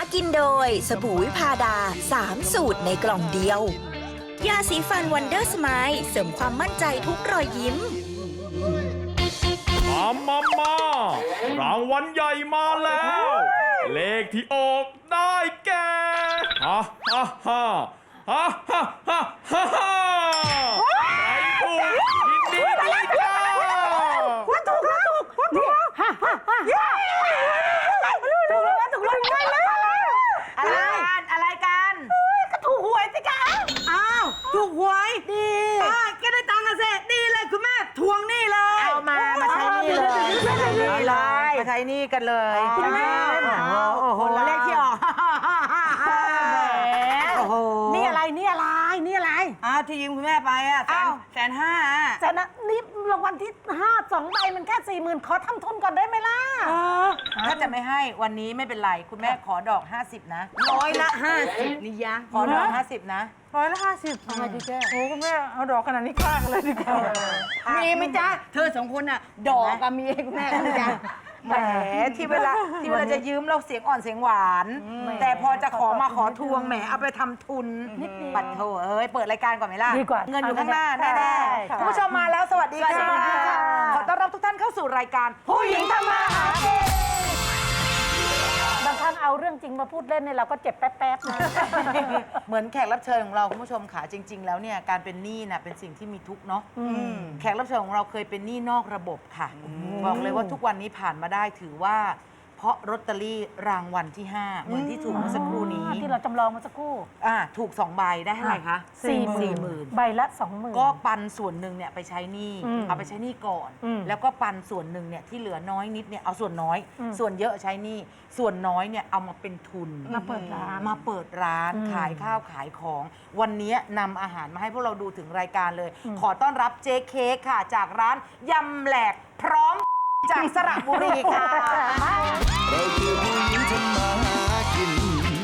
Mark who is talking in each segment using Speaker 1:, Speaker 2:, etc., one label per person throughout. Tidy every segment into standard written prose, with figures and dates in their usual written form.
Speaker 1: กินโดยสบู่วิพาดา3 สูตรในกล่องเดียวยาสีฟันวันเดอร์สไมล์เสริมความมั่นใจทุกรอยยิ้ม
Speaker 2: รางวัลใหญ่มาแล้ว เลขที่ออกได้แก่ฮ่าฮ่าฮ่าฮ่าฮ่าฮ่าฮ่าฮ่าใครถูกยินดีด้วยจ้า
Speaker 3: ถูกนี่ฮ่าฮ่าฮ่าถูกได้แล้ว
Speaker 4: อะไรกัน
Speaker 3: ก็ถูกหวยสิคะ
Speaker 4: อ้าวถูกหวยดีก็ได้ตังค์เสร็จดีเลยคุณแม่ทวงหนี้เลย
Speaker 3: เอามาใช้หนี้เลย
Speaker 4: มาใช้หนี้กันเลย
Speaker 3: คุณแม่
Speaker 4: โอ้โหเลขที่ออก
Speaker 3: โอ้โหนี่อะไร
Speaker 4: ที่ยืมคุณแม่ไปอ่ะ150,000
Speaker 3: แต่นะนี่รางวัลที่5 2 ใบมันแค่40,000ขอทำทุนก่อนได้ไหมล่ะ
Speaker 4: ถ้าจะไม่ให้วันนี้ไม่เป็นไรคุณแม่ขอดอก50นะ150นี่ยะขอดอก50นะ
Speaker 3: 150ทำไมดีแจ้
Speaker 5: โอ้คุณแม่เอาดอกขนาดนี้ฆ่ากันเลยดีกว่า
Speaker 4: มีไหมจ๊ะเธอ2 คนน่ะดอกกับมีให้คุณแม่คุณจ๊ะแหมที่เวลาจะยืมเราเสียงอ่อนเสียงหวานแต่พอจะขอทวงแหมเอาไปทำทุนบัตรโถเปิดรายการก่อนไหมล่ะ
Speaker 3: ดีกว่า
Speaker 4: เงินอยู่ข้างหน้าแน่ๆคุณผู้ชมมาแล้วสวัสดีค่ะขอต้อนรับทุกท่านเข้าสู่รายการผู้หญิงทำมาหากิน
Speaker 3: บางครั้งเอาเรื่องจริงมาพูดเล่นเนี่ยเราก็เจ็บแป๊บๆนะ
Speaker 4: เหมือนแขกรับเชิญของเราคุณผู้ชมค่ะจริงๆแล้วเนี่ยการเป็นหนี้น่ะเป็นสิ่งที่มีทุกข์เนาะแขกรับเชิญของเราเคยเป็นหนี้นอกระบบค่ะบอกเลยว่าทุกวันนี้ผ่านมาได้ถือว่าเพราะลอตเตอรี่รางวัลที่5เหมือนที่ถูกเมื่อสักครู่นี้
Speaker 3: ที่เราจำลองมาสักครู่
Speaker 4: ถูก2 ใบได้เท่าไหร่คะ
Speaker 3: 40,000ใบละ 20,000
Speaker 4: ก็ปันส่วนหนึ่งเนี่ยไปใช้หนี้เอาไปใช้หนี้ก่อนแล้วก็ปันส่วนหนึ่งเนี่ยที่เหลือน้อยนิดเนี่ยเอาส่วนน้อยส่วนเยอะใช้หนี้ส่วนน้อยเนี่ยเอามาเป็นทุน
Speaker 3: มาเปิด
Speaker 4: ร้านขายข้าวขายของวันนี้นำอาหารมาให้พวกเราดูถึงรายการเลยขอต้อนรับเจ๊เค้กค่ะจากร้านยำแหลกพร้อมจากสระบุรีค่ะ
Speaker 6: เราคือผู้หญิงทำมาหากิน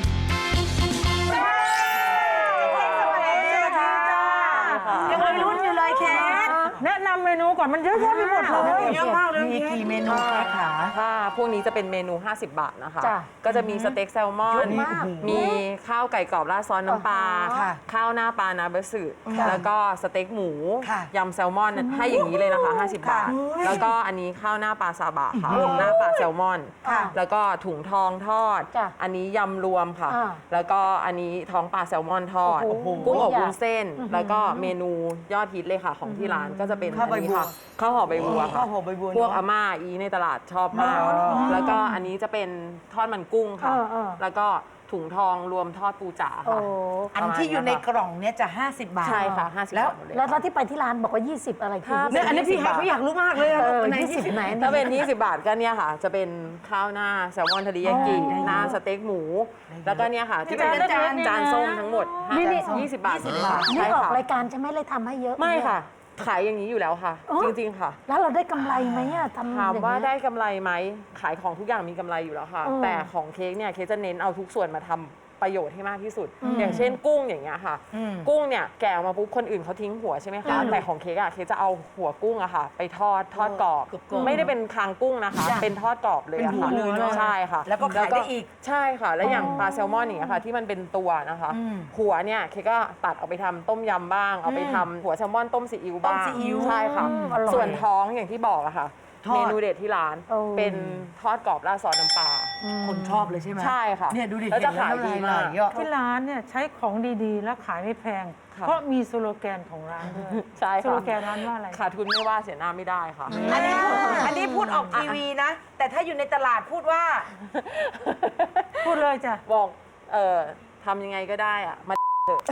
Speaker 4: ยังวัยรุ่นอยู่เลยเค้ก
Speaker 5: แนะนำเมนูก่อนมันเยอะแยะไปหมดเลย
Speaker 4: เยอะมากเลยมีกี่เมนูคะ
Speaker 7: ค่ะพวกนี้จะเป็นเมนู50 บาทนะคะก็จะมีสเต็กแซลมอนมีข้าวไก่กรอบราดซอสน้ำปลาข้าวหน้าปลานาเบสึแล้วก็สเต็กหมูยำแซลมอนให้อย่างนี้เลยนะคะ50 บาทแล้วก็อันนี้ข้าวหน้าปลาซาบะค่ะหน้าปลาแซลมอนแล้วก็ถุงทองทอดอันนี้ยำรวมค่ะแล้วก็อันนี้ท้องปลาแซลมอนทอดกุ้งอบวุ้นเส้นแล้วก็เมนูยอดฮิตเลยค่ะของที่ร้านก็จะเป็นอันนี้ค่ะข้าวห่อใบบัวค่ะพวกอาม่าอีในตลาดชอบมากแล้วก็อันนี้จะเป็นทอดมันกุ้งค่ะแล้วก็ถุงทองรวมทอดปูจ๋าค่ะ
Speaker 4: อันที่อยู่ในกล่องเนี้ยจะ50 บาท
Speaker 7: ใช่ค่ะ50 บาท
Speaker 3: แล้วที่ไปที่ร้านบอกว่า20อะไรคือ
Speaker 4: อันนี้พี่เขาอยากรู้มากเลย
Speaker 3: 20ไหน
Speaker 7: ถ้าเป็น20 บาทก็เนี่ยค่ะจะเป็นข้าวหน้าแซลมอนทะเลยากิหน้าสเต็กหมูแล้วก็เนี่ยค่ะที่เป็นจานส้มทั้งหมด20 บาท
Speaker 3: นี่ออกรายการใช่ไหมเลยทำให้เยอะ
Speaker 7: ไม่ค่ะขายอย่างนี้อยู่แล้วค่ะจริงๆค่ะ
Speaker 3: แล้วเราได้กำไรไหมอะทำ
Speaker 7: ถามว่าได้กำไรไหมขายของทุกอย่างมีกำไรอยู่แล้วค่ะแต่ของเค้กเนี่ยเค้กจะเน้นเอาทุกส่วนมาทำประโยชน์ให้มากที่สุดอย่างเช่นกุ้งอย่างเงี้ยค่ะกุ้งเนี่ยแกะออกมาปุ๊บคนอื่นเขาทิ้งหัวใช่ไหมคะแต่ของเค้กอะเค้กจะเอาหัวกุ้งอะค่ะไปทอดกรอบไม่ได้เป็นคางกุ้งนะคะเป็นทอดกรอบเลยอะค่ะใช่ค่ะ
Speaker 4: แล้วก็ขายได้อีก
Speaker 7: ใช่ค่ะแล้วอย่างปลาแซลมอนอย่างเงี้ยค่ะที่มันเป็นตัวนะคะหัวเนี่ยเค้กก็ตัดเอาไปทำต้มยำบ้างเอาไปทำหัวแซลมอนต้มซีอิ๊วบ้างใช่ค่ะส่วนท้องอย่างที่บอกอะค่ะเมนูเด็ดที่ร้านเป็นทอดกรอบราดซอสน้ำปลา
Speaker 4: คนชอบเลยใช่ไหม
Speaker 7: ใช่ค่ะ
Speaker 4: เนี่ยดูดิ
Speaker 7: แล้วจะขายดีมาก
Speaker 5: ที่ร้านเนี่ยใช้ของดีๆแล้วขายไม่แพงเพราะมีสโลแกนของร้านด้วย
Speaker 7: ใช่ค่ะ
Speaker 5: สโลแกนร้านว่าอะไร
Speaker 7: ขาดทุนไม่ว่าเสียหน้าไม่ได้ค่ะ
Speaker 4: อันนี้พูดออกทีวีนะแต่ถ้าอยู่ในตลาดพูดว่า
Speaker 5: พูดเลยจ้ะ
Speaker 7: บอกทำยังไงก็ได้อะมาเถอะ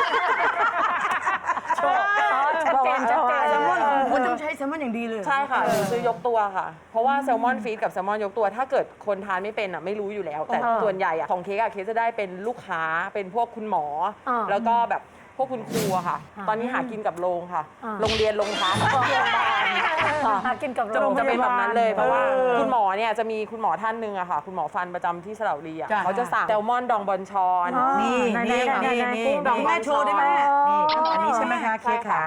Speaker 3: ชัดเจน
Speaker 4: แซลมอนคุณต้องใช้แซลมอนอย่างดีเลย
Speaker 7: ใช่ค่ะซื้อยกตัวค่ะเพราะว่าแซลมอนฟีดกับแซลมอนยกตัวถ้าเกิดคนทานไม่เป็นอ่ะไม่รู้อยู่แล้วแต่ส่วนใหญ่อ่ะของเค้กจะได้เป็นลูกค้าเป็นพวกคุณหมอแล้วก็แบบพวกคุณครูอะค่ะตอนนี้หากินกับโรงค่ะโรงเรียนโรงพักโรงพยาบาล
Speaker 3: หากินกับ
Speaker 7: จะเป็นแบบนั้นเลยเพราะว่าคุณหมอเนี่ยจะมีคุณหมอท่านหนึ่งอะค่ะคุณหมอฟันประจำที่สระบุรีอะเขาจะสั่งแซลมอนดองบอนชอน
Speaker 4: นี่ดองแม่โชว์ได้ไหมนี่อันนี้ใช่ไหมคะเค้กขา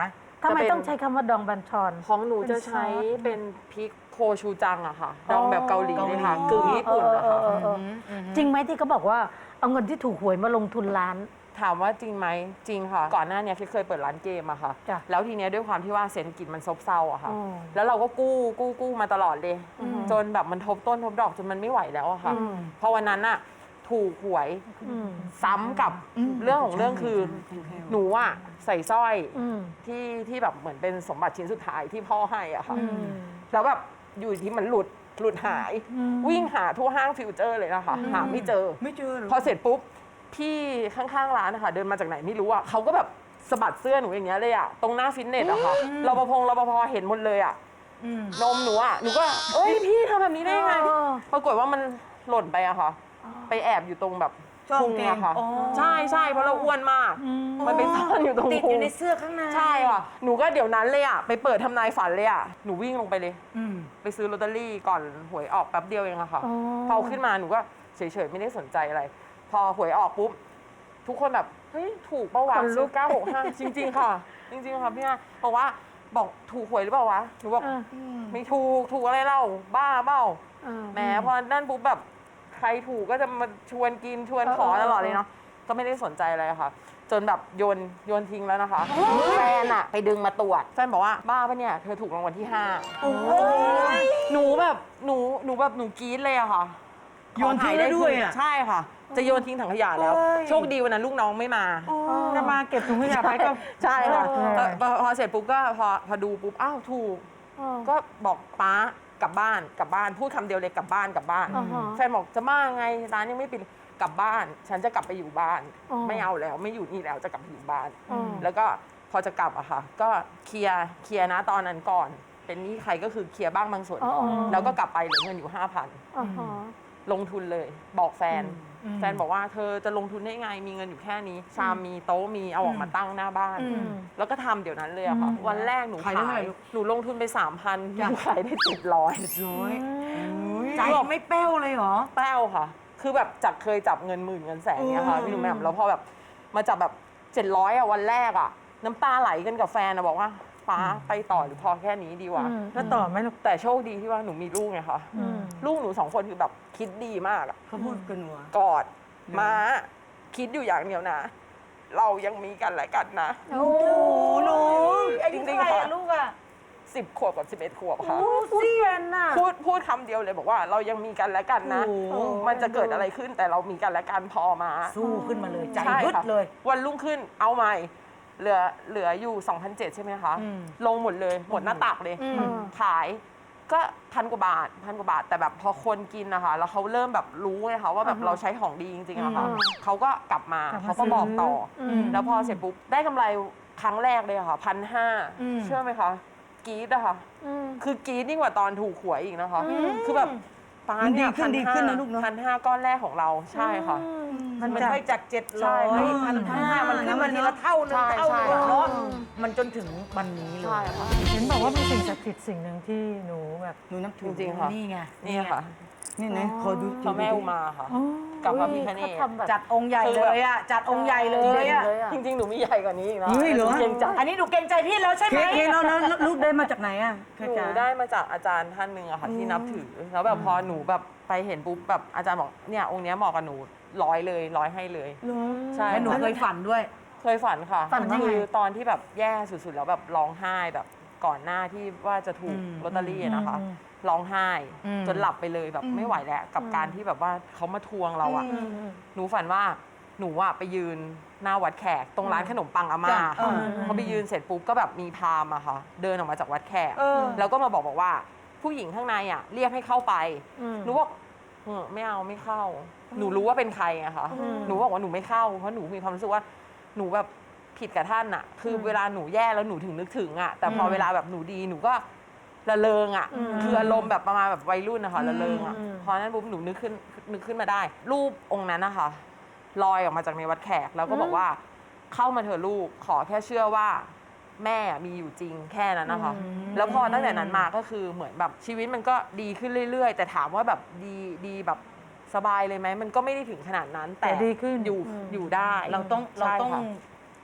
Speaker 3: ทำไม
Speaker 7: จะเป็น
Speaker 3: ต้องใช้คำว่าดองบัญชร
Speaker 7: ของหนูจะใช้เป็นพริกโคชูจังอะค่ะ ดองแบบเกาหลีเลยค่ะกึ่งญี่ปุ่นอะค่ะ
Speaker 3: จริงไหมที่เขาบอกว่าเอาเงินที่ถูกหวยมาลงทุนร้าน
Speaker 7: ถามว่าจริงไหมจริงค่ะ ก่อนหน้าเนี้ยเคยเปิดร้านเกมอะค่ะ
Speaker 3: จ้ะ
Speaker 7: แล้วทีเนี้ยด้วยความที่ว่าเศรษฐกิจมันซบเซาอะค่ะ
Speaker 3: อืม
Speaker 7: แล้วเราก็กู้มาตลอดเลย จนแบบมันทบต้นทบดอกจนมันไม่ไหวแล้วอะค่ะ
Speaker 3: อืม
Speaker 7: พอวันนั้นอะถูกหวย
Speaker 3: อืม
Speaker 7: ซ้ำกับเรื่องของเรื่องคือหนูอะใส่สร้อย
Speaker 3: อืม
Speaker 7: ที่แบบเหมือนเป็นสมบัติชิ้นสุดท้ายที่พ่อให้อะค่ะ
Speaker 3: อืม
Speaker 7: แล้วแบบอยู่ที่มันหลุดหาย วิ่งหาทั่วห้างฟิวเจอร์เลยนะคะหาไม่เจอ
Speaker 8: ไม่เจอเหรอ
Speaker 7: พอเสร็จปุ๊บพี่ข้างๆร้านนะคะเดินมาจากไหนไม่รู้อ่ะเขาก็แบบสะบัดเสื้อหนูอย่างเงี้ยเลยอ่ะตรงหน้าฟิตเนสอะค่ะรปภเห็นหมดเลยอ่ะนมหนูอ่ะหนูก็เอ้ยพี่ทำแบบนี้ได้ยังไง
Speaker 3: อ๋อ
Speaker 7: ปรากฏว่ามันหล่นไปอะค่ะ ไปแอบอยู่ตรงแบบ
Speaker 8: ช่อง
Speaker 7: พุง
Speaker 8: เกง
Speaker 7: อะค่ะ
Speaker 8: อ๋อ
Speaker 7: ใช่เพราะเราอ้วนมาก มันไปซ่อนอยู่ตรง
Speaker 4: ติด
Speaker 7: พุ
Speaker 4: อง ยู่ในเสื้อข้างใน
Speaker 7: ใช่ค่ะหนูก็เดี๋ยวนั้นเลยอ่ะไปเปิดทำนายฝันเลยอ่ะหนูวิ่งลงไปเลย ไปซื้อลอตเตอรี่ก่อนหวยออกแป๊บเดียวเองอะค่ะ
Speaker 3: อ๋อ
Speaker 7: พอเอาขึ้นมาหนูก็เฉยๆไม่ได้สนใจอะไร พอหวยออกปุ๊บ ทุกคนแบบเฮ้ยถูกเปะวะซื้อ965 จริงๆค่ะ จริงๆค่ะพี่ฮะบอกว่าบอกถูกหวยหรือเปล่าวะหนูบอก
Speaker 3: เออ
Speaker 7: ไม่ถูกอะไรเล่าบ้าเปล่า
Speaker 3: เออ
Speaker 7: แหมพอนั่นปุ๊บแบบใครถูกก็จะมาชวนกินชวนขอตลอดเลยเนาะก็ไม่ได้สนใจอะไรค่ะ จนแบบโยนทิ้งแล้วนะคะแฟนอะไปดึงมาตรวจแฟนบอกว่าบ้าปะเนี่ยเธอถูกรางวัลที่ 5หนูแบบหนูกรี๊ดเลยอะค่ะ
Speaker 8: โยนทิ้งแล้วด้วยอะ
Speaker 7: ใช่ค่ะ จะโยนทิ้งถังขยะแล้ว โชคดีวันนั้นลูกน้องไม่มา
Speaker 5: จะมาเก็บถุงขยะไปก็
Speaker 7: ใช่ค่ะ
Speaker 3: เออ
Speaker 7: พอเสร็จปุ๊บก็พอดูปุ๊บอ้าวถูก ก็บอกป้ากลับบ้านพูดคำเดียวเลยกลับบ้าน
Speaker 3: อ่าฮะ
Speaker 7: แฟนบอกจะบ้าไงร้านยังไม่ปิดกลับบ้าน ฉันจะกลับไปอยู่บ้าน
Speaker 3: อ๋อ
Speaker 7: ไม่เอาแล้วไม่อยู่นี่แล้วจะกลับไปอยู่บ้าน
Speaker 3: อ๋อ
Speaker 7: แล้วก็พอจะกลับอะค่ะ ก็เคลียร์นะตอนนั้นก่อน เป็นหนี้ใครก็คือเคลียร์บ้างบางส่วนก่อนแล้วก็กลับไปเหลือเงินอยู่ 5,000
Speaker 3: อ่าฮะ
Speaker 7: ลงทุนเลยบอกแฟน แฟนบอกว่าเธอจะลงทุนได้ไงมีเงินอยู่แค่นี้ ชามมีโต๊ะมีเอาออกมาตั้งหน้าบ้าน แล้วก็ทำเดี๋ยวนั้นเลยอะค่ะ วันแรกหนู
Speaker 8: ขายได้เท่าไหร่ลูก
Speaker 7: หนูลงทุนไป 3,000หนูขายได้700
Speaker 8: ร้อยใจไม่แป้วเลยเหรอ
Speaker 7: แป้วค่ะ คือแบบจากเคยจับเงินหมื่นเงินแสนเนี่ยค่ะพี่หนุ่มแหม่มแล้วพอแบบมาจับแบบ700อะวันแรกอะน้ำตาไหลกันกับแฟนอะบอกว่าฟ้าไปต่อหรือพอแค่นี้ดีวะ
Speaker 5: แล้วต่อไหมลูก
Speaker 7: แต่โชคดีที่ว่าหนูมีลูกไงคะลูกหนู2 คนคือแบบคิดดีมากอะ
Speaker 8: เขาพูดกันหัว
Speaker 7: กอดมาคิดอยู่อย่างเดียวนะ เรายังมีกันและกันนะ
Speaker 3: โอ้
Speaker 8: หนู
Speaker 7: จริงๆค่ะลูกอะ10 ขวบกับ 11 ขวบค่ะ
Speaker 3: เซียนน่ะ
Speaker 7: พูดคำเดียวเลยบอกว่าเรายังมีกันและกันนะ มันจะเกิดอะไรขึ้นแต่เรามีกันและกันพอมา
Speaker 8: สู้ขึ้นมาเลยใจ
Speaker 7: ใช่
Speaker 8: บึด
Speaker 7: ค่ะ
Speaker 8: เลย
Speaker 7: วันรุ่งขึ้นเอาใหม่ เหลืออยู่ 2,700 ใช่ไหมคะ ลงหมดเลยหมดหน้าตักเลย ขายก็1,000 กว่าบาท แต่แบบพอคนกินนะคะแล้วเขาเริ่มแบบรู้ไงคะว่าแบบเราใช้ของดีจริงๆอะค่ะเขาก็กลับมาเขาก็บอกต่ออแล้วพอเสร็จปุ๊บได้กำไรครั้งแรกเลยอะค่ะ1,500เชื่อไหมคะกรี๊ดอะค่ะคือกรี๊ดยิ่งกว่าตอนถูกหวยอีกนะคะคือแบบป้าเนี่ย
Speaker 8: มันดีขึ้นนะลูกเนอะ
Speaker 7: 1,500 ก้อนแรกของเราใช่ค่ะ
Speaker 8: มันไปจาก700
Speaker 7: ใช่
Speaker 8: 1,500มันขึ้นมาทีละเท่านึง
Speaker 7: ใช่
Speaker 8: เท่านึง
Speaker 7: ใช่
Speaker 8: เนาะมันจนถึงวันนี้เล
Speaker 7: ใช่
Speaker 8: ย
Speaker 7: ค่ะ
Speaker 5: เห็นบอกว่าเป็นสิ่งศักดิ์สิทธิ์สิ่งหนึ่งที่หนูแบบ
Speaker 8: หนูนับถือ
Speaker 7: จริงๆค่ะ
Speaker 8: นี่ไง
Speaker 7: นี่ค่ะ
Speaker 8: นี่นะขอดู
Speaker 7: พระแม่อุมาค่ะ กับพระพิฆเนศ
Speaker 3: เขาทำแบบ
Speaker 8: จัดองค์ใหญ่เลยอ่ะจัดองค์ใหญ่เลยอ่ะ
Speaker 7: จริงๆ หนูมีใหญ่กว่านี้อีกนะ
Speaker 8: เฮ้ยเหรอ
Speaker 7: เกรงใจ
Speaker 8: อันนี้หนูเกรงใจพี่แล้วใช่ไหมเค้กแล้วรูปได้มาจากไหนอ่ะ
Speaker 7: หนูได้มาจากอาจารย์ท่านหนึ่งอะค่ะที่นับถือ แล้วแบบพอหนูแบบไปเห็นปุ๊บแบบอาจารย์บอกเนี่ยองค์เนี้ยเหมาะกับหนูร้อยให้เลย ใช่
Speaker 8: แล้วหนูเคยฝันด้วย
Speaker 7: เคยฝันค่ะ
Speaker 3: ฝันว่าไง
Speaker 7: คือตอนที่แบบแย่สุดๆ แล้วแบบร้องไห้แบบก่อนหน้าที่ว่าจะถูกลอตเตอรี่อะนะคะร้องไห้ จนหลับไปเลยแบบไม่ไหวแล้วกับการที่แบบว่าเขามาทวงเราอะหนูฝันว่าหนูอะไปยืนหน้าวัดแขกตรงร้านขนมปังอาม่าค่ะพอไปยืนเสร็จปุ๊บก็แบบมีพราหมณ์อะค่ะเดินออกมาจากวัดแขกแล้วก็มาบอกว่าผู้หญิงข้างในอะเรียกให้เข้าไปหนูบอกไม่เอาไม่เข้า หนูรู้ว่าเป็นใครอะค่ะหนูบอกว่าหนูไม่เข้าเพราะหนูมีความรู้สึกว่าหนูแบบผิดกับท่านอะคือเวลาหนูแย่แล้วหนูถึงนึกถึงอะแต่พอเวลาแบบหนูดีหนูก็ระเริงอะคืออารมณ์แบบประมาณแบบวัยรุ่นนะคะระเริงอะพอนั้นปุ๊บหนูนึกขึ้นมาได้ รูปองค์นั้นนะคะลอยออกมาจากในวัดแขกแล้วก็บอกว่าเข้ามาเถอะลูกขอแค่เชื่อว่าแม่มีอยู่จริงแค่นั้นนะคะแล้วพอตั้งแต่นั้นมาก็คือเหมือนแบบชีวิตมันก็ดีขึ้นเรื่อยๆ แต่ถามว่าแบบดีแบบสบายเลยไหมมันก็ไม่ได้ถึงขนาดนั้น แต่
Speaker 5: แต่ดีขึ้น
Speaker 7: อยู่ได้
Speaker 8: เราต้อง
Speaker 7: ใช่ค่ะ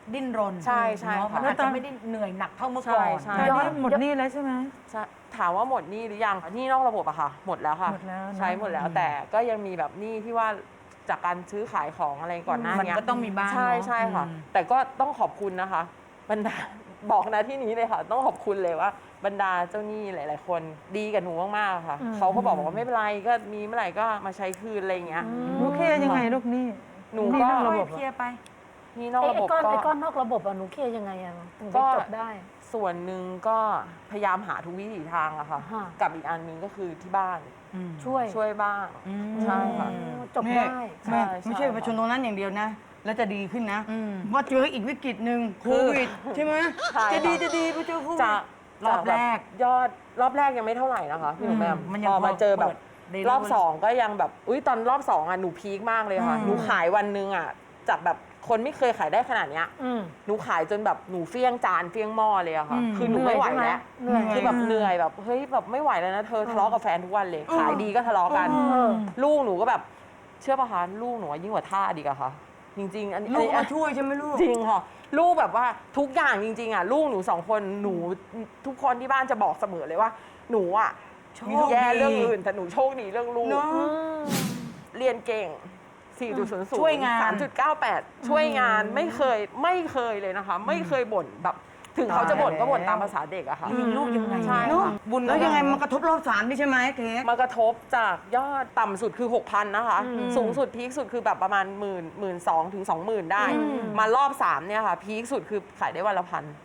Speaker 4: ดิ้นรน
Speaker 7: ใช่ใช่
Speaker 4: เนาะ
Speaker 7: ค่ะ
Speaker 4: มันอาจจะไม่ได้เหนื่อยหนักเท่าเมื่อก่อน
Speaker 7: ใช่
Speaker 5: ตอนนี้หมดหนี้แล้วใช่ไหม
Speaker 7: ใช่ถามว่าหมดหนี้หรือยังหนี้นอกระบบอะค่ะ หมดแล้วค่ะ
Speaker 5: หมดแล้วนะ
Speaker 7: ใช้หมดแล้วแต่ก็ยังมีแบบหนี้ที่ว่าจากการซื้อขายของอะไรก่อนหน้า
Speaker 4: มัน
Speaker 7: นี้
Speaker 4: ก็ต้องมีบ้าง
Speaker 7: ใช่
Speaker 4: เนอะ
Speaker 7: ใช่ค่ะ
Speaker 4: อืม
Speaker 7: แต่ก็ต้องขอบคุณนะคะบรรดา บอกนะที่นี้เลยค่ะ ต้องขอบคุณเลยว่าบรรดาเจ้าหนี้หลาย ๆ คนดีกับหนูมากๆค่ะเขาก็บอกว่าไม่เป็นไรก็มีเมื่อไหร่ก็มาใช้คืนอะไรอย่างเงี้ย
Speaker 5: ลูกเคลียร์ยังไงลูกหนี้
Speaker 7: หนู
Speaker 5: ห
Speaker 7: ก็
Speaker 5: นอกระบบ
Speaker 4: เคลียร์ไป
Speaker 7: หนี่นอกระบบ
Speaker 3: ไอ้ก้
Speaker 7: ก็
Speaker 3: อนนอกระบบอะหนูเคลียร์ยังไงอะถึง
Speaker 7: ก็
Speaker 3: จะจบได้
Speaker 7: ส่วนหนึ่งก็พยายามหาทุกวิถีทางอะค่ะ
Speaker 3: ฮะ
Speaker 7: กับอีกอันหนึงก็คือที่บ้าน
Speaker 3: ช่วย
Speaker 7: บ้างใช่ค่ะ
Speaker 3: จบได้
Speaker 8: แม่
Speaker 7: ใช่
Speaker 8: ไม่ใช่ประชาชนตรงนั้นอย่างเดียวนะ แล้วจะดีขึ้นนะว่าเจออีกวิกฤตหนึ่งโควิดใช่ไหม
Speaker 7: ใช่
Speaker 8: จะดี
Speaker 7: ค่ะ
Speaker 8: จะดีพอเจอโควิด
Speaker 7: จะ
Speaker 4: รอบแรก
Speaker 7: ยอดรอบแรกยังไม่เท่าไหร่นะคะพี่หนูแหม่ม
Speaker 4: มันยัง
Speaker 7: พอมาเจอแบบ
Speaker 4: เปิดได้
Speaker 7: รอบสองก็ยังแบบอุ้ยตอนรอบสองอ่ะหนูพีคมากเลยค่ะหนูขายวันหนึงอ่ะจากแบบคนไม่เคยขายได้ขนาดเนี้ย
Speaker 3: อืม
Speaker 7: หนูขายจนแบบหนูเฟี้ยงจานเฟี้ยงหม้อเลยอะค่ะ คือหนูไม่ไหวแล้ว
Speaker 3: เหนื่อย
Speaker 7: คือแบบเหนื่อยแบบเฮ้ยแบบไม่ไหวแล้วนะเธอทะเลาะกับแฟนทุกวันเลยขายดีก็ทะเลาะกัน ลูกหนูก็แบบเชื่อป่ะคะลูกหนูยิ่งกว่าท่าดีกอะค่ะ จริงๆอันนี้
Speaker 8: ลูกมาช่วยใช่ไหมลูก
Speaker 7: จริงค่ะ ลูกแบบว่าทุกอย่างจริงๆอ่ะลูกหนูสองคนหนูทุกคนที่บ้านจะบอกเสมอเลยว่า หนูอ่ะ
Speaker 8: มีลูก
Speaker 7: แย่
Speaker 8: ดี
Speaker 7: เรื่องอื่นแต่หนูโชคดีเรื่องลูก
Speaker 8: เนาะ
Speaker 7: เรียนเก่ง 4.00
Speaker 4: ช่วยงาน
Speaker 7: 3.98 ช่วยงานไม่เคยเลยนะคะ ไม่เคยบ่นแบบถึงเขาจะบ่นก็บ่นตามภาษาเด็กอะค่ะ
Speaker 4: เลี้ยงลูกยังไง
Speaker 7: ใช่
Speaker 8: เนาะ
Speaker 7: ค่ะ
Speaker 8: บุญแล้วยังไงมันกระทบรอบสามด้วยใช่ไหมเค้ก
Speaker 7: มากระทบจากยอดต่ำสุดคือ 6,000 นะคะ สูงสุดพีคสุดคือแบบประมาณ12,000 ถึง 20,000 ได้ มารอบ 3 เนี่ยค่ะ พีคสุดคือขายได้วันละ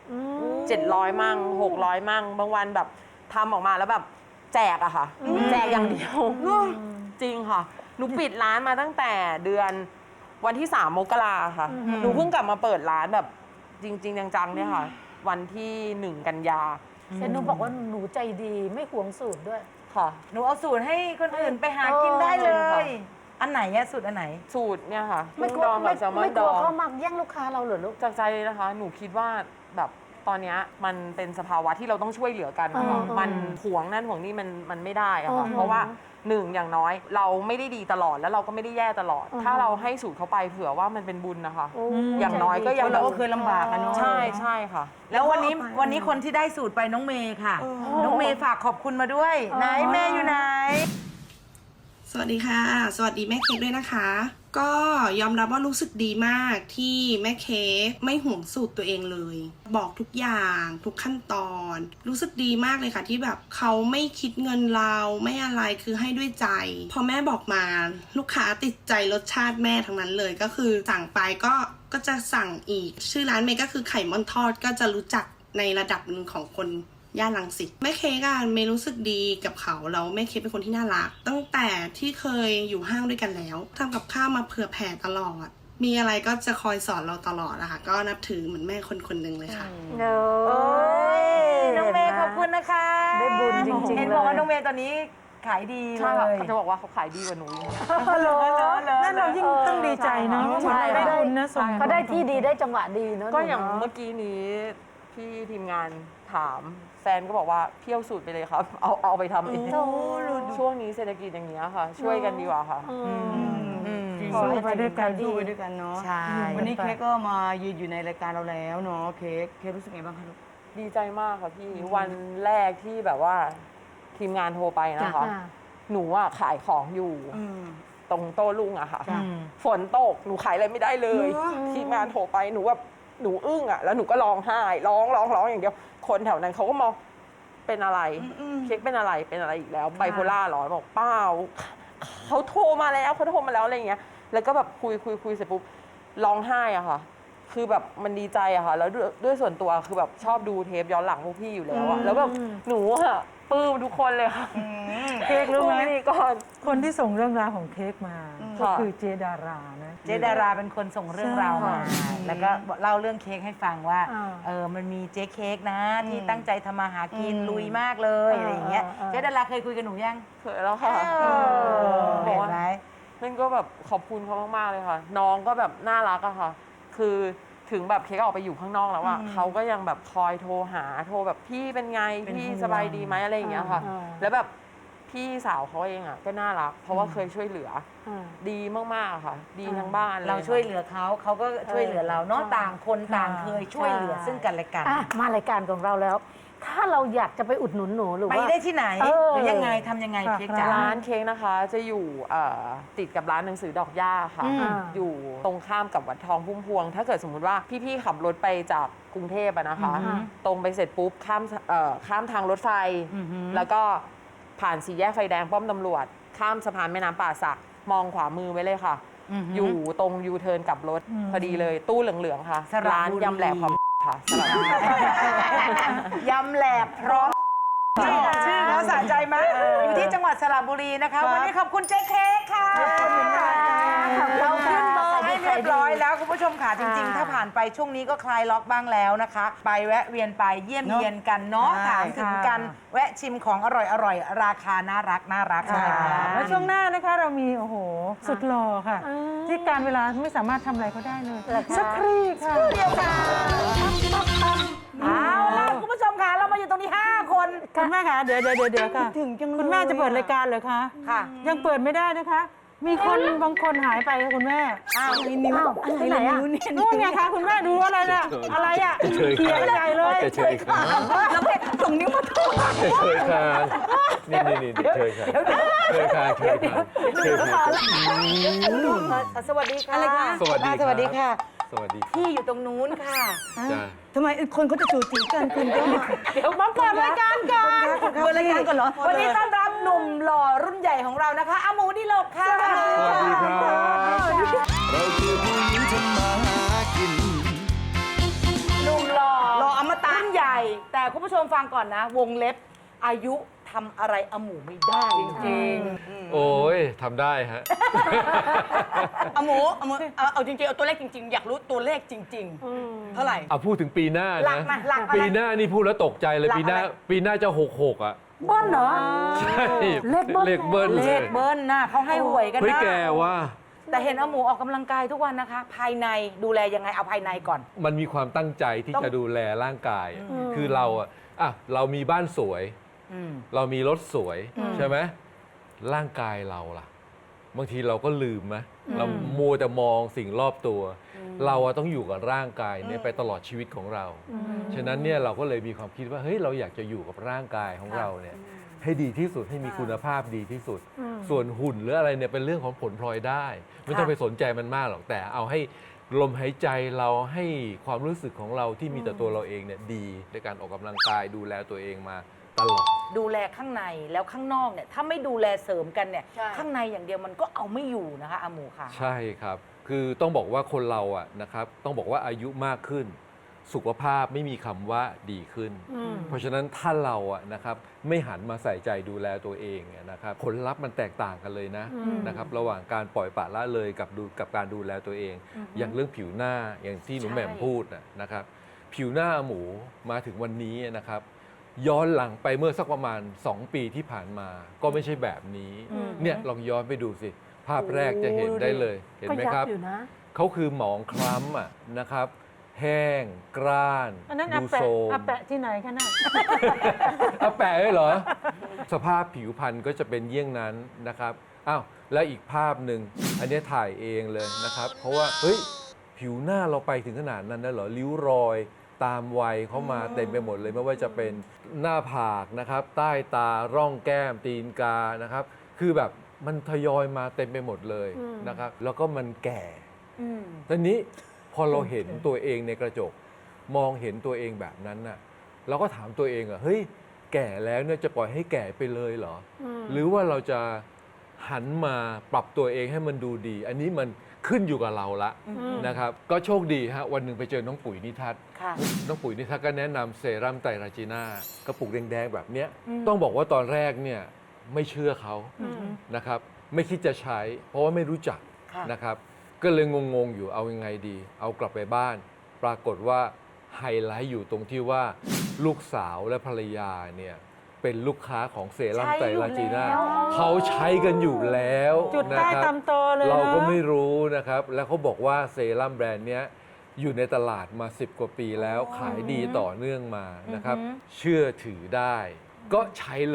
Speaker 7: 1,700 มั่ง 600 มั่ง บางวันแบบทำออกมาแล้วแบบแจกอะค่ะ แจกอย่างเดียว จริงค่ะ หนูปิดร้านมาตั้งแต่เดือนวันที่ 3 มกราค่ะ หนูเพิ่งกลับมาเปิดร้านแบบจริง ๆ จังๆเนี่ยค่ะ วันที่ 1 กันยา
Speaker 3: เห็นหนูบอกว่าหนูใจดีไม่หวงสูตรด้วย
Speaker 7: ค่ะ
Speaker 4: หนูเอาสูตรให้คนอื่นไปหากินได้เล
Speaker 7: ค่ะ
Speaker 4: ย อันไหนอะสูตรอันไหน
Speaker 7: สูตรเนี่ยค่ะ
Speaker 3: ไม่กลั
Speaker 7: ด
Speaker 3: ว
Speaker 7: องกับแซลมอน
Speaker 3: ไม่ก
Speaker 7: ด
Speaker 3: ลัว
Speaker 7: อง
Speaker 3: เขามาแย่งลูกค้าเราเหรอลูก
Speaker 7: จากใจเลยนะคะ หนูคิดว่าแบบตอนเนี้ยมันเป็นสภาวะที่เราต้องช่วยเหลือกันนะคะ
Speaker 3: อืม
Speaker 7: มันห่วงนั่นห่วงนี่มันไม่ได้อะค่ะ
Speaker 3: อืม
Speaker 7: เพราะว่าหนึ่งอย่างน้อยเราไม่ได้ดีตลอดแล้วเราก็ไม่ได้แย่ตลอด ถ้าเราให้สูตรเขาไปเผื่อว่ามันเป็นบุญนะคะ อย่างน้อยก็ยัง
Speaker 8: เราก็เคยลำบากอะเนาะ
Speaker 7: ใช่ใช่ค่ะ
Speaker 4: แล้ววันนี้คนที่ได้สูตรไปน้องเมย์ค่ะ น้องเมย์ฝากขอบคุณมาด้วย ไหนแม่อยู่ไหน
Speaker 9: สวัสดีค่ะ สวัสดีแม่เค้กด้วยนะคะ ก็ยอมรับว่ารู้สึกดีมากที่แม่เค้กไม่ห่วงสูตรตัวเองเลย บอกทุกอย่างทุกขั้นตอน รู้สึกดีมากเลยค่ะที่แบบเขาไม่คิดเงินเราไม่อะไรคือให้ด้วยใจ พอแม่บอกมาลูกค้าติดใจรสชาติแม่ทั้งนั้นเลย ก็คือสั่งไปก็จะสั่งอีก ชื่อร้านเมย์ก็คือไข่ม่อนทอดก็จะรู้จักในระดับหนึ่งของคนย่านรังสิตแม่เค้กอะเมย์รู้สึกดีกับเขาแล้วแม่เค้กเป็นคนที่น่ารักตั้งแต่ที่เคยอยู่ห้างด้วยกันแล้วทำกับข้าวมาเผื่อแผ่ตลอด มีอะไรก็จะคอยสอนเราตลอดอะค่ะก็นับถือเหมือนแม่คนหนึ่งเลยค่ะ
Speaker 4: โอ้ยน้องเมย์ขอบคุณนะคะ
Speaker 3: ได้บุญจริงๆ
Speaker 4: เห็นบอกว่าน้องเมย์ตอนนี้ขายดี
Speaker 7: ใช่
Speaker 4: เล
Speaker 7: ค่ะ
Speaker 4: ย
Speaker 7: เขาจะบอกว่าเขาขายดีกว่าหนูอีก
Speaker 5: นั่นเรายิ่งต้องดีใจเนาะ
Speaker 7: ใช่
Speaker 5: ได้บุญนะส่ง
Speaker 3: เขาได้ที่ดีได้จังหวะดีเนาะ
Speaker 7: ก็อย่าง
Speaker 3: หนู
Speaker 7: เมื่
Speaker 3: เนาะ
Speaker 7: อกี้นี้พี่ทีมงานถามแฟนก็บอกว่าเที่ยวสูตรไปเลยครับ เอาไปทำเองช่วงนี้เศรษฐกิจอย่างเงี้ยค่ะ ช่วยกันดีกว่าค่ะ
Speaker 5: สู้ไปด้วยกัน
Speaker 8: สู้ไปด้วยกันเนาะ
Speaker 4: ใช่
Speaker 8: วันนี้เค้กก็มายืนอยู่ในรายการเราแล้วเนาะเค้กรู้สึกไงบ้างคะลูก
Speaker 7: ดีใจมากค่ะพี่ วันแรกที่แบบว่าทีมงานโทรไปนะคะ หนูอะขายของอยู่ตรงโต๊ะลุงอะค่ะ ฝนตกหนูขายอะไรไม่ได้เลย ทีมงานโทรไปหนูแบบหนูอึ้งอะแล้วหนูก็ร้องไห้ร้องอย่างเดียวคนแถวนั้นเขาก็มองเป็นอะไรเค้กเป็นอะไรอีกแล้วไบโพล่าเหรอบอกเปล่าเขาโทรมาแล้วอะไรอย่างเงี้ยแล้วก็แบบคุยเสร็จปุ๊บร้องไห้อะค่ะ คือแบบมันดีใจอะค่ะแล้วด้วยส่วนตัวคือแบบชอบดูเทปย้อนหลังพวกพี่อยู่แล้วอะแล้วแบบหนูอะปลื้มทุกคนเลยค่ะ
Speaker 5: เค้กรู้ไหม
Speaker 7: นี่ก่อน
Speaker 5: คนที่ส่งเรื่องราวของเค้กมาก็คือเจดารานะ
Speaker 4: เจดาราเป็นคนส่งเรื่องราวมา
Speaker 5: ใช่
Speaker 4: แล้วก็เล่าเรื่องเค้กให้ฟังว่า
Speaker 3: อ่า
Speaker 4: มันมีเจ๊เค้กนะ ที่ตั้งใจทำมาหากินลุยมากเลยอะไรอย่างเงี้ย เจดาราเคยคุยกับหนูยัง
Speaker 7: เคยแล้วค่ะบ
Speaker 4: เห็
Speaker 7: อก
Speaker 4: น
Speaker 7: ว่า
Speaker 4: ไหม
Speaker 7: นั่นก็แบบขอบคุณเขามากๆเลยค่ะ น้องก็แบบน่ารักอะค่ะ คือถึงแบบเค้กออกไปอยู่ข้างนอกแล้วอะเขาก็ยังแบบคอยโทรหาโทรแบบพี่เป็นไงพี่สบายดีไหมอะไรอย่างเงี้ยค่ะ แล้วแบบพพี่สาวเขาเองอ่ะก็น่ารัก เพราะว่าเคยช่วยเหลืออดีมากๆค่ะ ดีทั้งบ้านเลย
Speaker 4: เราช่วยเหลือเขาเขาก็ช่วยเหลือเราเนาะต่างคนต่างเคยช่วยเหลือซึ่งกันและกัน
Speaker 3: อ่ะมารายการของเราแล้ว ถ้าเราอยากจะไปอุดหนุนหนูหรือ
Speaker 4: ไป
Speaker 3: ว่า
Speaker 4: ได้ที่ไหน
Speaker 3: เออ
Speaker 4: หรือยังไงทำยังไงเค้กจ๋า
Speaker 7: ร้านเค้กนะคะจะอยู่ติดกับร้านหนังสือดอกหญ้าค่ะ อยู่ตรงข้ามกับวัดทองพุ่มพวง ถ้าเกิดสมมุติว่าพี่ๆขับรถไปจากกรุงเทพอะนะคะ ตรงไปเสร็จปุ๊บข้ามทางรถไฟ แล้วก็ผ่านสี่แยกไฟแดงป้อมตำรวจ ข้ามสะพานแม่น้ำป่าสักมองขวามือไว้เลยค่ะ อยู่ตรงยูเทิร์นกลับรถพอดีเลยตู้เหลืองๆค่ะ
Speaker 4: สระบุรี
Speaker 7: ร้านยำแหลกพร้อมค่ะสระบุรี
Speaker 4: ยำแหลบพร้อมชื่อเขาสะใจไหมอยู่ที่จังหวัดสระบุรีนะคะ วันนี้ขอบคุณเจ๊เค้กค่ะเราขึ้นเบอร์ให้เรียบร้อยแล้วคุณผู้ชมค่ะจริงๆ ถ้าผ่านไปช่วงนี้ก็คลายล็อกบ้างแล้วนะคะ ไปแวะเวียนไปเยี่ยมเยียนกันเนาะถามถึงกันแวะชิมของอร่อยๆ ราคาน่ารักค่ะ
Speaker 5: แล้วช่วงหน้านะคะเรามีโอ้โหสุดหล่อค่ะ ที่การเวลาไม่สามารถทำอะไรเขาได้เลยสักครู่ค่ะ
Speaker 4: เดียวค่ะเอาล่ะคุณผู้ชมค่ะเรามาอยู่ตรงนี้ 5 คน
Speaker 5: คุณแม่คะเดี๋ยวค่ะคุณแม่จะเปิดรายการเหรอคะ
Speaker 4: ค่ะ
Speaker 5: ยังเปิดไม่ได้นะคะ มีคนบางคนหายไปค่ะคุณแม่
Speaker 4: อ้าว
Speaker 8: นิ้ว
Speaker 3: ที่ไหนอ่ะ
Speaker 5: นู่นไงคะคุณแม่ดูอะไรน่ะอะไรอ่ะเขียนใหญ่เลย
Speaker 6: เฉยค่ะ
Speaker 4: แล้วเพชรส่งนิ้วมาถูก
Speaker 6: เฉยค่ะนี่เฉยค่ะเฉยค่ะเฉยค่ะเฉยค่ะ
Speaker 4: สวัสดีค่ะ
Speaker 8: อะไรคะ
Speaker 6: สวัสดีครับ
Speaker 4: สวัสดีค่ะ
Speaker 6: สวัสดี
Speaker 4: พี่อยู่ตรงนู้นค่ะ
Speaker 6: จ้า
Speaker 8: ทำไมคนเขาจะจูจีกันคุณจะ
Speaker 4: เดี๋ยวมาเปิดรายการก่อน
Speaker 8: เปิดรายการก่อนเหรอ
Speaker 4: วันนี้ต้อนรับหนุ่มหล่อรุ่นใหญ่ของเรานะคะอาหมูดิโลกค่ะ
Speaker 6: สวัสดีครับเราคือผู้หญิงทำมาหากิน
Speaker 4: หนุ่มหล่อ
Speaker 8: รออมตะ
Speaker 4: รุ่นใหญ่ แต่คุณผู้ชมฟังก่อนนะ วงเล็บอายุทำอะไรอาหมูไม่ได้จริง
Speaker 6: โอ้ยทำได้ฮะ
Speaker 8: เอาหมูเอาจริงๆเอาตัวเลขจริงๆ อยากรู้ตัวเลขจริงๆ เท่าไหร่
Speaker 6: เอาพูดถึงปีหน้า
Speaker 4: หลั
Speaker 6: นะ
Speaker 4: กมาหลักอะไร
Speaker 6: ปีหน้านี่พูดแล้วตกใจเลย
Speaker 4: หลัก
Speaker 6: ปีหน้า
Speaker 4: อะไร
Speaker 6: ปีหน้าจะ66อ่ะ
Speaker 3: เบิ้ลเหรอ
Speaker 6: ใช่
Speaker 3: เลขเบิ้ล
Speaker 6: เลขเบิ้ล
Speaker 4: เล
Speaker 6: เล
Speaker 4: ข
Speaker 6: ย
Speaker 4: เบิ้ลนะเขาให้หวยกัน
Speaker 6: เฮ้ย
Speaker 4: นะ
Speaker 6: แกว่า
Speaker 4: แต่เห็นอาหมูออกกำลังกายทุกวันนะคะ ภายในดูแลยังไงเอาภายในก่อน
Speaker 6: มันมีความตั้งใจที่
Speaker 4: ต้อง
Speaker 6: จะดูแลร่างกาย คือเราเรามีบ้านสวย เรามีรถสวยใช่ไหมร่างกายเราล่ะ บางทีเราก็ลืมไหมเรามัวแต่มองสิ่งรอบตัว เราต้องอยู่กับร่างกายเนี่ยไปตลอดชีวิตของเรา ฉะนั้นเนี่ยเราก็เลยมีความคิดว่าเฮ้ยเราอยากจะอยู่กับร่างกายของเราเนี่ยให้ดีที่สุดให้มีคุณภาพดีที่สุด ส่วนหุ่นหรืออะไรเนี่ยเป็นเรื่องของผลพลอยได้ ไม่ต้องไปสนใจมันมากหรอกแต่เอาให้ลมหายใจเราให้ความรู้สึกของเราที่มีแต่ตัวเราเองเนี่ยดีในการออกกำลังกายดูแลตัวเองมาตลอด
Speaker 4: ดูแลข้างในแล้วข้างนอกเนี่ยถ้าไม่ดูแลเสริมกันเนี่ย
Speaker 8: ใช่
Speaker 4: ข้างในอย่างเดียวมันก็เอาไม่อยู่นะคะอาหมูค่ะ
Speaker 6: ใช่ครับ คือต้องบอกว่าคนเราอะนะครับต้องบอกว่าอายุมากขึ้น สุขภาพไม่มีคำว่าดีขึ้น เพราะฉะนั้นถ้าเราอะนะครับไม่หันมาใส่ใจดูแลตัวเองอะนะครับผลลัพธ์มันแตกต่างกันเลยนะครับระหว่างการปล่อยปละละเลยกับการดูแลตัวเอง อย่างเรื่องผิวหน้าอย่างที่หนู
Speaker 4: ใช่
Speaker 6: แหม่มพูดนะครับผิวหน้าหมูมาถึงวันนี้นะครับย้อนหลังไปเมื่อสักประมาณ 2 ปีที่ผ่านมาก็ไม่ใช่แบบนี้เนี่ยลองย้อนไปดูสิ ภาพแรกจะเห็นได้เลยเห็นไหมครับ
Speaker 3: ก็ยับอยู่นะ
Speaker 6: เขาคือหมองคล้ำนะครับ แห้งกร้าน
Speaker 5: อันนั้น
Speaker 6: ดู
Speaker 5: อาแปะ
Speaker 6: โซม
Speaker 5: อาแปะที่ไหนคะน่ะ
Speaker 6: อาแปะเลยเหรอ สภาพผิวพรรณก็จะเป็นเยี่ยงนั้นนะครับอ้าวแล้วอีกภาพหนึ่งอันนี้ถ่ายเองเลยนะครับ เพราะว่าเฮ้ยผิวหน้าเราไปถึงขนาดนั้นนะเหรอริ้วรอยตามวัยเขามาเต็มไปหมดเลยไม่ว่าจะเป็นหน้าผากนะครับ ใต้ตาร่องแก้มตีนกานะครับ คือแบบมันทยอยมาเต็มไปหมดเลยนะครับ แล้วก็มันแก่ตอนนี้พอเราเห็นตัวเองในกระจก มองเห็นตัวเองแบบนั้นน่ะเราก็ถามตัวเองเฮ้ยแก่แล้วเนี่ยจะปล่อยให้แก่ไปเลยเหรอหรือว่าเราจะหันมาปรับตัวเองให้มันดูดี อันนี้มันขึ้นอยู่กับเราละนะครับก็โชคดีฮะวันหนึ่งไปเจอน้องปุ๋ยนิทัศน์
Speaker 4: ค่ะ
Speaker 6: น้องปุ๋ยนิทัศน์ก็แนะนำเซรั่มไตรราจีน่ากระปุกแดงๆแบบเนี้ยต้องบอกว่าตอนแรกเนี่ยไม่เชื่อเขานะครับไม่คิดจะใช้เพราะว่าไม่รู้จัก
Speaker 4: ค่ะ
Speaker 6: นะครับก็เลยงงๆอยู่เอายังไงดี เอากลับไปบ้าน ปรากฏว่าไฮไลท์อยู่ตรงที่ว่าลูกสาวและภรรยาเนี่ยเป็นลูกค้าของเซรั่มไตรราจีน่าเขาใช้กันอยู่แล้ว
Speaker 5: จุด
Speaker 6: นะ
Speaker 5: ใต้
Speaker 6: ครับ
Speaker 5: ตำโตเลย
Speaker 6: เราก็
Speaker 5: นะ
Speaker 6: ไม่รู้นะครับ แล้วเขาบอกว่าเซรั่มแบรนด์เนี้ยอยู่ในตลาดมา10 กว่าปีแล้วขายดีต่อเนื่องมานะครับ เชื่อถือได้ ก็ใช้เลย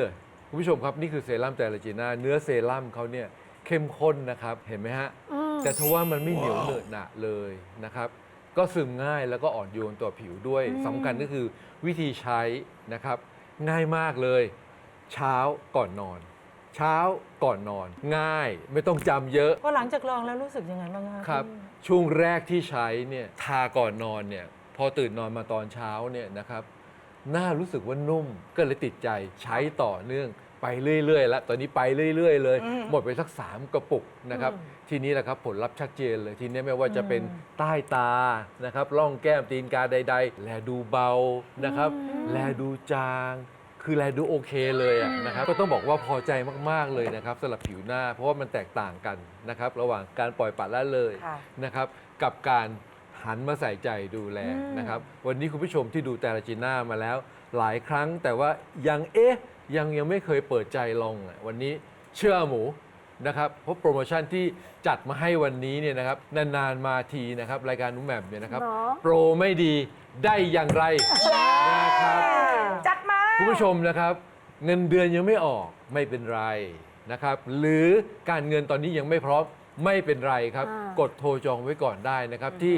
Speaker 6: คุณผู้ชมครับนี่คือเซรั่มไตรจีน่าเนื้อเซรั่มเขาเนี่ยเข้มข้นนะครับเห็นไหมฮะแต่ทว่ามันไม่เหนียวเหนอะหนะเลยนะครับก็ซึมง่ายแล้วก็อ่อนโยนต่อผิวด้วยสำคัญก็คือวิธีใช้นะครับง่ายมากเลยเช้าก่อนนอน เช้าก่อนนอนง่ายไม่ต้องจำเยอะ
Speaker 5: พอหลังจากลองแล้วรู้สึกยังไงบ้างคะ
Speaker 6: ครับช่วงแรกที่ใช้เนี่ยทาก่อนนอนเนี่ยพอตื่นนอนมาตอนเช้าเนี่ยนะครับหน้ารู้สึกว่านุ่มก็เลยติดใจใช้ต่อเนื่องไปเรื่อยๆแล้วตอนนี้ไปเรื่อยๆเลยหมดไปสัก3 กระปุกนะครับทีนี้แหละครับผลลัพธ์ชัดเจนเลยทีนี้ไม่ว่าจะเป็นใต้ตานะครับร่องแก้มตีนกาใดๆแลดูเบานะครับแลดูจางคือแลดูโอเคเลยนะครับก็ต้องบอกว่าพอใจมากๆเลยนะครับสำหรับผิวหน้าเพราะว่ามันแตกต่างกันนะครับระหว่างการปล่อยปละละเลยนะครับกับการหันมาใส่ใจดูแลนะครับวันนี้คุณผู้ชมที่ดูแต่ละจีน่ามาแล้วหลายครั้งแต่ว่ายังยังไม่เคยเปิดใจลองวันนี้เชื่อหมูนะครับเพราะโปรโมชั่นที่จัดมาให้วันนี้เนี่ยนะครับนานๆมาทีนะครับรายการนุ่มแหม่มเนี่ยนะครับโปรไม่ดีได้อย่างไรนะครับ
Speaker 4: จัดมา
Speaker 6: คุณผู้ชมนะครับเงินเดือนยังไม่ออกไม่เป็นไรนะครับหรือการเงินตอนนี้ยังไม่พร้อมไม่เป็นไรครับกดโทรจองไว้ก่อนได้นะครับที่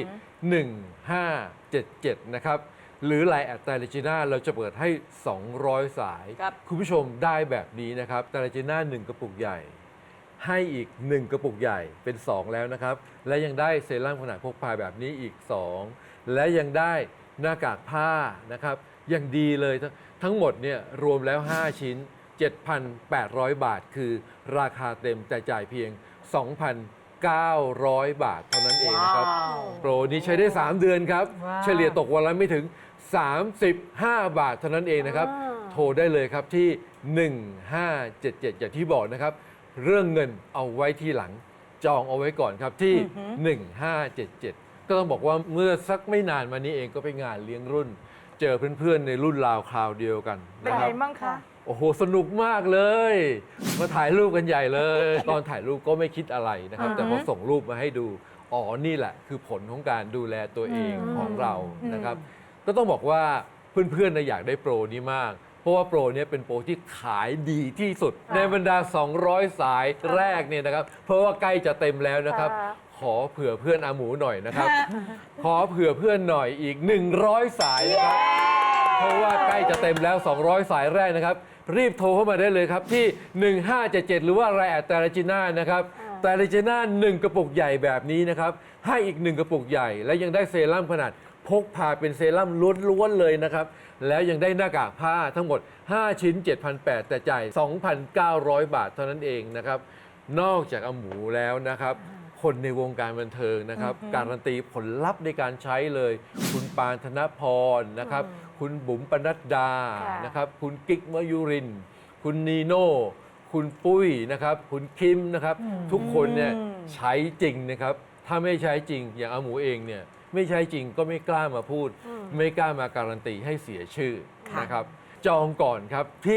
Speaker 6: 1577 นะครับหรือไลน์แอดไตรจีน่าเราจะเปิดให้ 200 สายคุณผู้ชมได้แบบนี้นะครับไตรจีน่า1 กระปุกใหญ่ให้อีก1 กระปุกใหญ่เป็น 2 แล้วนะครับและยังได้เซรั่มขนาดพกพาแบบนี้อีก 2 และยังได้หน้ากากผ้านะครับอย่างดีเลยทั้งหมดเนี่ยรวมแล้ว 5 ชิ้น 7,800 บาทคือราคาเต็มแต่จ่ายเพียง 2,900 บาทเท่านั้นเองนะครับโปรนี้ใช้ได้ 3 เดือนครับเฉลี่ยตกวันละไม่ถึง 35 บาทเท่านั้นเองนะครับโทรได้เลยครับที่ 1577 อย่างที่บอกนะครับเรื่องเงินเอาไว้ที่หลังจองเอาไว้ก่อนครับที่ 1577 ก็ต้องบอกว่าเมื่อสักไม่นานมานี้เองก็ไปงานเลี้ยงรุ่นเจอเพื่อนๆในรุ่นราวคราวเดียวกันนะครับเป็นไงบ้างคะโอ้โหสนุกมากเลยมาถ่ายรูปกันใหญ่เลย ตอนถ่ายรูปก็ไม่คิดอะไรนะครับแต่พอส่งรูปมาให้ดูอ๋อนี่แหละคือผลของการดูแลตัวเองของเรานะครับก็ต้องบอกว่าเพื่อนๆอยากได้โปรนี้มากเพราะว่าโปรนี้เป็นโปรที่ขายดีที่สุดในบรรดา200 สายแรกเนี่ยนะครับเพราะว่าใกล้จะเต็มแล้วนะครับขอเผื่อเพื่อนอาหมูหน่อยนะครับขอเผื่อเพื่อนหน่อยอีก100 สายนะครับเพราะว่าใกล้จะเต็มแล้ว200 สายแรกนะครับรีบโทรเข้ามาได้เลยครับที่ 1577 หรือว่าไลน์แอดไตรจีน่านะครับไตรจีน่า1 กระปุกใหญ่แบบนี้นะครับให้อีก1 กระปุกใหญ่และยังได้เซรั่มขนาดพกพาเป็นเซรั่มล้วนๆเลยนะครับแล้วยังได้หน้ากากผ้าทั้งหมด5 ชิ้น 7,800 แต่จ่าย 2,900 บาทเท่านั้นเองนะครับนอกจากอาหมูแล้วนะครับคนในวงการบันเทิงนะครับการันตีผลลัพธ์ในการใช้เลยคุณปานธนพรนะครับคุณบุ๋มปนัดดานะครับคุณกิ๊กมะยุรินทร์คุณนีโน่คุณปุ้ยนะครับคุณคิมนะครับทุกคนเนี่ยใช้จริงนะครับถ้าไม่ใช้จริงอย่างอาหมูเองเนี่ยไม่ใช้จริงก็ไม่กล้ามาพูดไม่กล้ามาการันตีให้เสียชื่อนะครับจองก่อนครับที่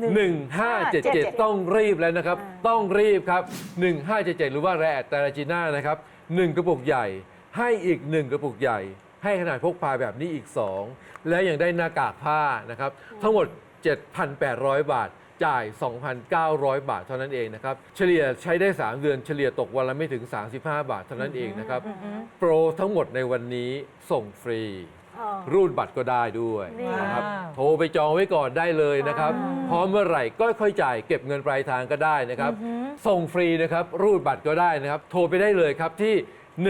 Speaker 6: 1577 ต้องรีบแล้วนะครับต้องรีบครับ 1577 หรือว่าไลน์แอดไตรจีน่านะครับ1 กระปุกใหญ่ให้อีก1 กระปุกใหญ่ให้ขนาดพกพาแบบนี้อีก 2 และยังได้หน้ากากผ้านะครับทั้งหมด 7,800 บาทจ่าย 2,900 บาทเท่านั้นเองนะครับเฉลี่ยใช้ได้ 3 เดือนเฉลี่ยตกวันละไม่ถึง 35 บาทเท่านั้นเองนะครับโปรทั้งหมดในวันนี้ส่งฟรีรูดบัตรก็ได้ด้วยนะครับโทรไปจองไว้ก่อนได้เลยนะครับพร้อมเมื่อไหร่ก็ค่อยจ่ายเก็บเงินปลายทางก็ได้นะครับส่งฟรีนะครับรูดบัตรก็ได้นะครับโทรไปได้เลยครับที่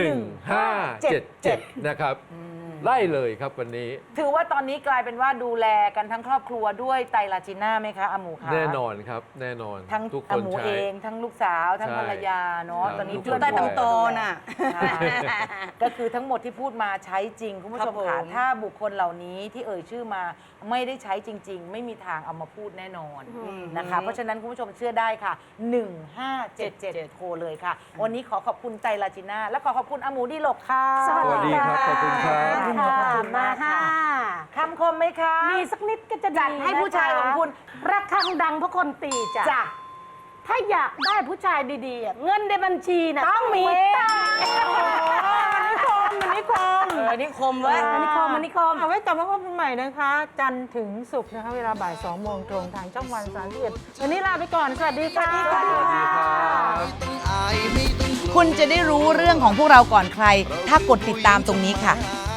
Speaker 6: 1577 นะครับได้เลยครับวันนี้
Speaker 4: ถือว่าตอนนี้กลายเป็นว่าดูแลกันทั้งครอบครัวด้วยไตรจีน่าไหมคะอาหมูคะ
Speaker 6: แน่นอนครับแน่นอน
Speaker 4: ทั้ง
Speaker 6: ทุกค
Speaker 4: อาน หมู
Speaker 6: ใช้
Speaker 4: เองทั้งลูกสาวทั้งภรรยาเนาะตอนนี้
Speaker 8: จุดใต้ตำโตน่ะ
Speaker 4: ก็คือทั้งหมดที่พูดมาใช้จริงคุณผู้ชมค่ะถ้าบุคคลเหล่านี้ที่เอ่ยชื่อมาไม่ได้ใช้จริงๆไม่มีทางเอามาพูดแน่นอนนะคะเพราะฉะนั้นคุณผู้ชมเชื่อได้ค่ะ 1577 โทรเลยค่ะวันนี้ขอขอบคุณไตรจีน่าและขอขอบคุณอาหมูดีหลกค่ะ
Speaker 6: สวัสดีครับขอบคุณครับ
Speaker 3: มาค่ะ
Speaker 4: คำคมไหมคะ
Speaker 3: มีสักนิดก็จะดี
Speaker 4: จัดให้ผู้ชายของคุณ
Speaker 3: ระฆังดังเพราะคนตีจ้ะ ถ้าอยากได้ผู้ชายดีๆเงินในบัญชีนะต้องมีตังค์
Speaker 5: อันนี้คม
Speaker 8: อันนี้คมไว้
Speaker 3: อันนี้คมอันนี้คม
Speaker 5: เอาไว้กลับมาพบกันใหม่นะคะ จันทร์ถึงศุกร์นะคะเวลาบ่าย 2 โมงตรงทางช่องวัน31วันนี้ลาไปก่อน สวัสดีค่ะ
Speaker 6: สวัสดีครับ
Speaker 4: คุณจะได้รู้เรื่องของพวกเราก่อนใคร ถ้ากดติดตามตรงนี้ค่ะ